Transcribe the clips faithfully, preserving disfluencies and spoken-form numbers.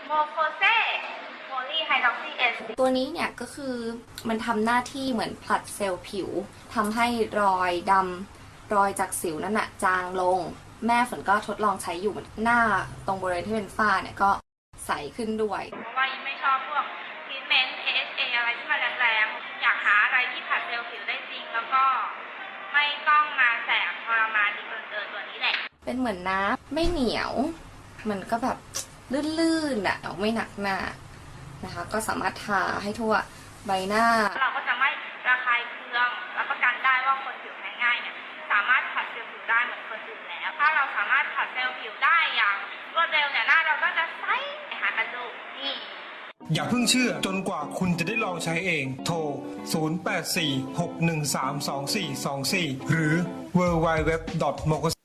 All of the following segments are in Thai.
โมโคเซโพลีไฮดรอกซีเอสตัวนี้เนี่ยก็คือมันทำหน้าที่เหมือนผลัดเซลล์ผิวทำให้รอยดำรอยจากสิวนั่นน่ะจางลงแม่ฝนก็ทดลองใช้อยู่หน้าตรงบริเวณที่เป็นฝ้าเนี่ยก็ใสขึ้นด้วยเพราะว่ายิ่งไม่ชอบพวกทรีทเมนต์ เอ เอช เอ อะไรที่มันแรงๆอยากหาอะไรที่ผลัดเซลล์ผิวได้จริงแล้วก็ไม่ต้องมาแสบทรมานดีเกินเกินตัวนี้แหละเป็นเหมือนน้ำไม่เหนียวมันก็แบบลื่นๆอ่ะไม่หนักหน้านะคะก็สามารถทาให้ทั่วใบหน้าเราก็จะไม่ระคายเคืองรับประกันได้ว่าคนผิวแพ้ง่ายเนี่ยสามารถผัดเซลล์ผิวได้เหมือนคนอื่นแล้วถ้าเราสามารถผัดเซลล์ผิวได้อย่างรวดเร็วเนี่ยหน้าเราก็จะใสหากันดูนี่อย่าเพิ่งเชื่อจนกว่าคุณจะได้ลองใช้เองโทรศูนย์ แปด สี่ หก หนึ่ง สาม สอง สี่ สอง สี่หรือ ดับเบิลยู ดับเบิลยู ดับเบิลยู ดอท โมโคเซ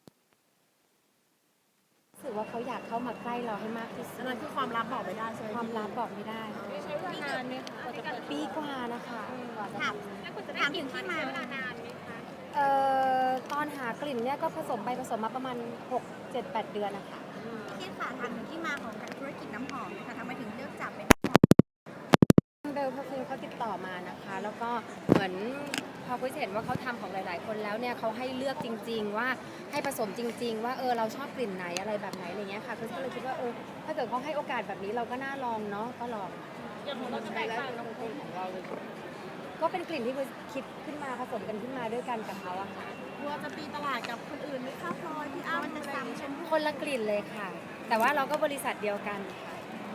รู้สึกว่าเขาอยากเข้ามาใกล้เราให้มากที่สุดนั่นคือความลับบอกไม่ได้ใช่ไหมความลับบอกไม่ได้ใช้เวลานานไหมคะปีกว่านะคะถามถามถึงที่มาเวลานานไหมคะเอ่อตอนหากลิ่นเนี่ยก็ผสมไปผสมมาประมาณหก เจ็ด แปดเดือนนะคะที่ค่ะถามถึงที่มาของการธุรกิจน้ำหอมนะคะทำไมถึงเลือกจับเป็นเบลเขาคือเขาติดต่อมานะคะแล้วก็เหมือนพอคุยเห็นว่าเขาทำของหลายๆคนแล้วเนี่ยเขาให้เลือกจริงๆว่าให้ผสมจริงๆว่าเออเราชอบกลิ่นไหนอะไรแบบไหนอะไรเงี้ยค่ะคือก็เลยคิดว่าเออถ้าเกิดเขาให้โอกาสแบบนี้เราก็น่าลองเนาะก็ลองอย่างของเราจะแตกต่างกับคนของเราเลยก็เป็นกลิ่นที่คิดขึ้นมาผสมกันขึ้นมาด้วยกันกับเขาอะค่ะกลัวจะตีตลาดกับคนอื่นไหมคะพลอยที่อ้ำจะซ้ำชมคนละกลิ่นเลยค่ะแต่ว่าเราก็บริษัทเดียวกันค่ะ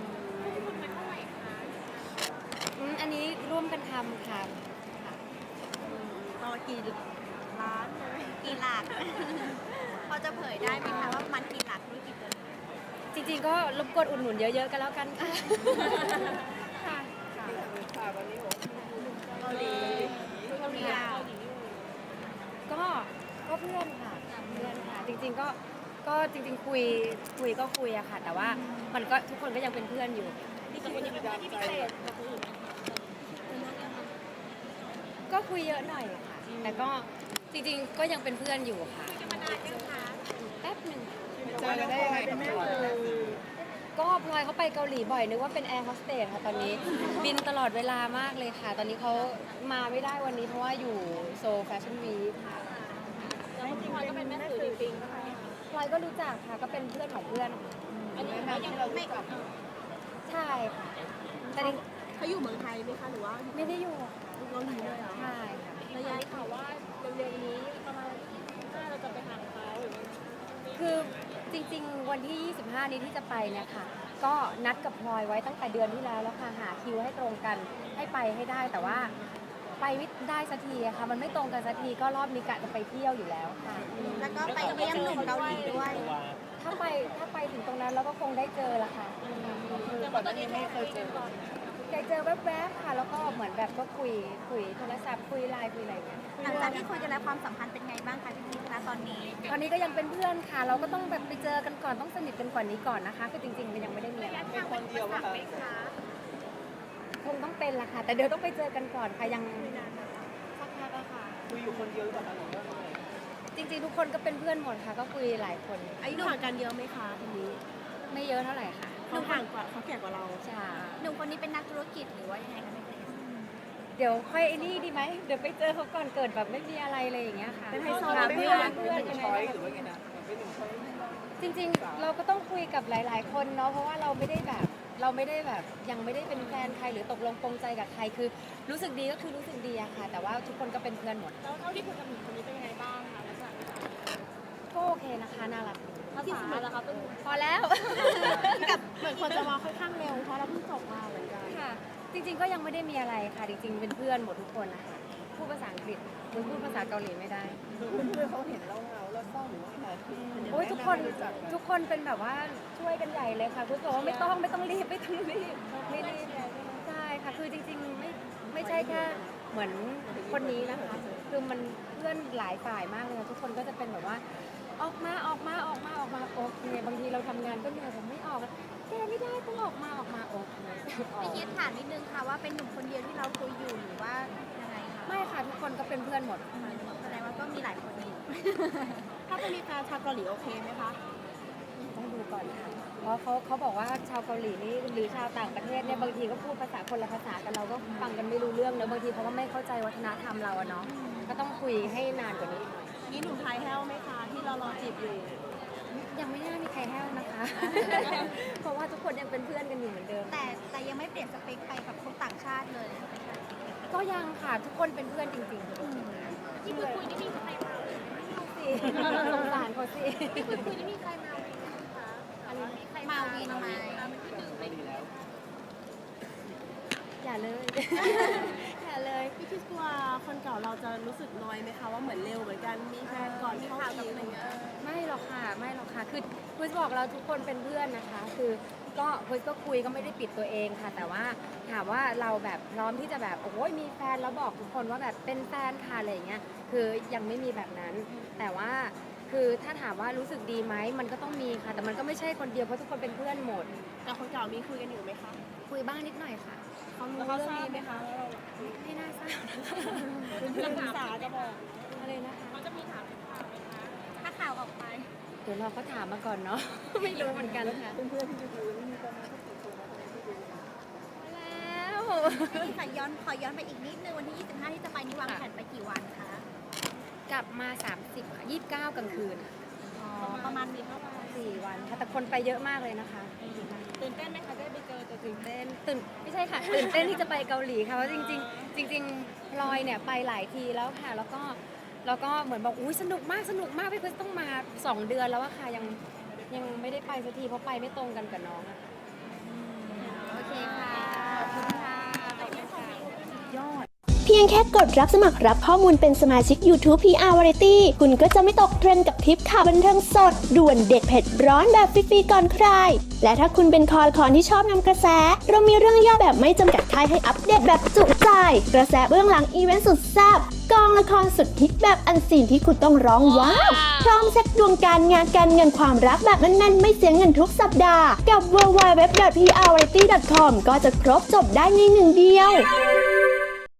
อันนี้ร่วมกันทำค่ะต่อกี่ล้านเลยกี่หลักพอจะเผยได้ไหมคะว่ามันกี่หลักธุรกิจตัวนี้จริงๆก็รบกวนอุดหนุนเยอะๆกันแล้วกันค่ะค่ะค่ะวันนี้ผมเกาหลีเกาหลีก็ก็เพื่อนค่ะเพื่อนค่ะจริงๆก็ก็จริงๆคุยคุยก็คุยอะค่ะแต่ว่ามันก็ทุกคนก็ยังเป็นเพื่อนอยู่ที่คนยังเป็นเพื่อนที่พิเศษกับคนอื่นก็คุยเยอะหน่อยค่ะแต่ก็จริงๆก็ยังเป็นเพื่อนอยู่ค่ะจะมานานยังคะแป๊บหนึ่งเจอได้ยังไงกับพลอยก็พลอยเขาไปเกาหลีบ่อยนึกว่าเป็นแอร์โฮสเตสค่ะตอนนี้บินตลอดเวลามากเลยค่ะตอนนี้เขามาไม่ได้วันนี้เพราะว่าอยู่โซลแฟชั่นวีคค่ะแล้วจริงๆพลอยก็เป็นแม่สื่อจริงๆค่ะพลอยก็รู้จักค่ะก็เป็นเพื่อนของเพื่อนอันนี้เขายังไม่กลับใช่ค่ะแต่เขาอยู่เมืองไทยไหมคะหรือว่าไม่ได้อยู่เกาหลีเลยเหรอใช่ค่ะระยะข่าวว่าเร็วๆนี้ประมาณน่าเราจะไปหาเขาหรือคือจริงๆวันที่ยี่สิบห้านี้ที่จะไปเนี่ยค่ะก็นัดกับพลอยไว้ตั้งแต่เดือนที่แล้วแล้วค่ะหาคิวให้ตรงกันให้ไปให้ได้แต่ว่าไปไม่ได้สักทีอะค่ะมันไม่ตรงกันสักทีก็รอบนี้กะจะไปเที่ยวอยู่แล้วค่ะแล้วก็ไปเยี่ยมหนุ่มเกาหลีด้วยถ้าไปถ้าไปถึงตรงนั้นเราก็คงได้เจอละค่ะแต่ว่าตอนนี้ไม่เคยเจอเคยเจอแวบๆค่ะแล้วก็เหมือนแบบก็คุยคุยโทรศัพท์คุยไลน์คุยอะไรอย่างเงี้ยหลังจากที่คุยกันแล้วความสัมพันธ์เป็นไงบ้างคะพี่พีคะตอนนี้ตอนนี้ก็ยังเป็นเพื่อนค่ะเราก็ต้องแบบไปเจอกันก่อนต้องสนิทกันกว่านี้ก่อนนะคะคือจริงๆมันยังไม่ได้มีอะไรเป็นคนเดียวไหมคะคงต้องเป็นละค่ะแต่เดี๋ยวต้องไปเจอกันก่อนค่ะยังสักพักอะค่ะคุยอยู่คนเดียวหรือเปล่าคะหรือว่าไงจริงๆทุกคนก็เป็นเพื่อนหมดค่ะก็คุยหลายคนอายุห่างกันเยอะไหมคะคนนี้ไม่เยอะเท่าไหร่ค่ะเขาห่างกว่าเขาแก่กว่าเราใช่หนุ่มคนนี้เป็นนักธุรกิจหรือว่ายังไงคะเดี๋ยวค่อยไอ้นี่ดีไหมเดี๋ยวไปเจอเขาก่อนเกิดแบบไม่มีอะไรเลยอย่างเงี้ยค่ะเป็นไฮโซเพื่อนเพื่อนเป็นช้อยหรือว่าไงนะเป็นหนึ่งช้อยจริงๆเราก็ต้องคุยกับหลายๆคนเนาะเพราะว่าเราไม่ได้แบบเราไม่ได้แบบยังไม่ได้เป็นแฟนใครหรือตกลงปรงใจกับใครคือรู้สึกดีก็คือรู้สึกดีอะค่ะแต่ว่าทุกคนก็เป็นเพื่อนหมดแล้วเท่าที่คุยกับหนุ่มคนนี้เป็นยังไงบ้างคะลักษณะก็โอเคนะคะน่ารักภาษาแล้วคะพอแล้วกับเหมือนคนจะมาค่อนข้างเร็วเพราะเราเพิ่งจบมาเหมือนกันค่ะจริงๆก็ยังไม่ได้มีอะไรค่ะจริงๆเป็นเพื่อนหมดทุกคนนะคะพูดภาษาอังกฤษหรือพูดภาษาเกาหลีไม่ได้เพื่อนเขาเห็นเราเงาแล้วเศร้าหรือว่าอะไรโอ้ยทุกคนทุกคนเป็นแบบว่าช่วยกันใหญ่เลยค่ะคุณบอกว่าไม่ต้องไม่ต้องรีบไม่ต้องรีบไม่รีบใช่ค่ะคือจริงๆไม่ไม่ใช่แค่เหมือนคนนี้นะคะคือมันเพื่อนหลายฝ่ายมากเลยทุกคนก็จะเป็นแบบว่าออกมาออกมาออกมาออกมาโอเคบางทีเราทำงานก็เหนื่อยผมไม่ออกแกไม่ได้ต้องออกมาออกมาโอเคพี่ยิดถามนิดนึงค่ะว่าเป็นหนุ่มคนเดียวที่เราคุยอยู่หรือว่ายังไงคะไม่ค่ะทุกคนก็เป็นเพื่อนหมดแสดงว่าก็มีหลายคนอยู่ถ้าจะมีแฟนชาวเกาหลีโอเคไหมคะต้องดูก่อนค่ะเพราะอเขาเขาบอกว่าชาวเกาหลีนี่หรือชาวต่างประเทศเนี่ยบางทีก็พูดภาษาคนละภาษากันเราก็ฟังกันไม่รู้เรื่องเนอะบางทีเขาก็ไม่เข้าใจวัฒนธรรมเราอะเนาะก็ต้องคุยให้นานกว่านี้หน่อยนี่หนุ่มไทยแห้วไหมคะที่เรารอจีบอยู่ยังไม่น่ามีใครแห้วนะคะ เพราะว่าทุกคนยังเป็นเพื่อนกันอยู่เหมือนเดิมแต่แต่ยังไม่เปลี่ยนสเปคไปกับคนต่างชาติเลยก็ยังค่ะทุกคนเป็นเพื่อนจริงๆที่คุยคุยนี่มีใครมาสิสงสารเขาสิที่คุยคุยนี่มีใครมาคะอะไรมีใครมาวินไหมอย่าเลย อย่าเลยพี่คิดว่าคนเก่าเราจะรู้สึกน้อยไหมคะว่าเหมือนเร็วเหมือนกันมีแฟนก่อนเข้าทีอะไรเงี้ยไม่หรอกค่ะไม่หรอกค่ะคือคุยบอกเราทุกคนเป็นเพื่อนนะคะ คือก็คุยก็คุยก็ไม่ได้ปิดตัวเองค่ะ แต่ว่าถามว่าเราแบบพร้อมที่จะแบบโอ้ยมีแฟนแล้วบอกทุกคนว่าแบบเป็นแฟนค่ะอะไรอย่างเงี้ยคือยังไม่มีแบบนั้น แต่ว่าคือถ้าถามว่ารู้สึกดีไหมมันก็ต้องมีค่ะ แต่มันก็ไม่ใช่คนเดียวเพราะทุกคนเป็นเพื่อนหมดแต่คนเก่ามีคุยกันอยู่ไหมคะคุยบ้างนิดหน่อยค่ะเขารู้เรื่องนี้ไหมคะไม่น่าทราบเป็นเพื่อนศึกษาจะบอกอะไรนะคะถ้าข่าวออกไปเดี๋ยวเราก็ถามมาก่อนเนาะ ไม่รู้เหมือนกันค่ะเพื่อนๆที่ไปดูนี่มีประมาณสักกี่คนนะคะที่ดูแล้วนี่ค่ะย้อนขอย้อนไปอีกนิดนึงวันที่ยี่สิบห้าที่จะไปนี่วางแผนไปกี่วันคะกลับมา สามสิบค่ะยี่สิบเก้ากลางคืนอ๋อประมาณมีเท่าไหร่สี่วันค่ะแต่คนไปเยอะมากเลยนะคะตื่นเต้นไหมคะได้ไปเจอตัวจริตื่งนเต้นตื่นไม่ใช่ค่ะ ตื่นเต้นที่จะไปเกาหลีค่ะเพราะจริงๆ จริงๆพลอยเนี่ยไปหลายทีแล้วค่ะ แล้วก็แล้วก็เหมือนบอกอุ้ยสนุกมากสนุกมากพี่เพิร์สต้องมาสองเดือนแล้วอะค่ะยังยังไม่ได้ไปสักทีเพราะไปไม่ตรงกันกับน้องอะค่ะโอเคค่ะขอบคุณค่ะขอบคุณค่ะยอดเพียงแค่กดรับสมัครรับข้อมูลเป็นสมาชิก YouTube พี อาร์ Variety คุณก็จะไม่ตกเทรนด์กับทริปข่าวบันเทิงสด ด่วนเด็ดเผ็ดร้อนแบบฟรีๆก่อนใคร และถ้าคุณเป็นคอละคอนที่ชอบนำกระแส เรามีเรื่องย่อแบบไม่จำกัดท้ายให้อัปเดตแบบจุใจ กระแสเบื้องหลังอีเวนต์สุดแซ่บกองละครสุดฮิตแบบอันซีนที่คุณต้องร้องว้าวพร้อมเช็คดวงการงานการเงินความรักแบบแน่นๆไม่เสียเงินทุกสัปดาห์กับ ดับเบิลยู ดับเบิลยู ดับเบิลยู ดอท พี อาร์ วาไรตี้ ดอท คอม ก็จะครบจบได้ในหนึ่งเดียว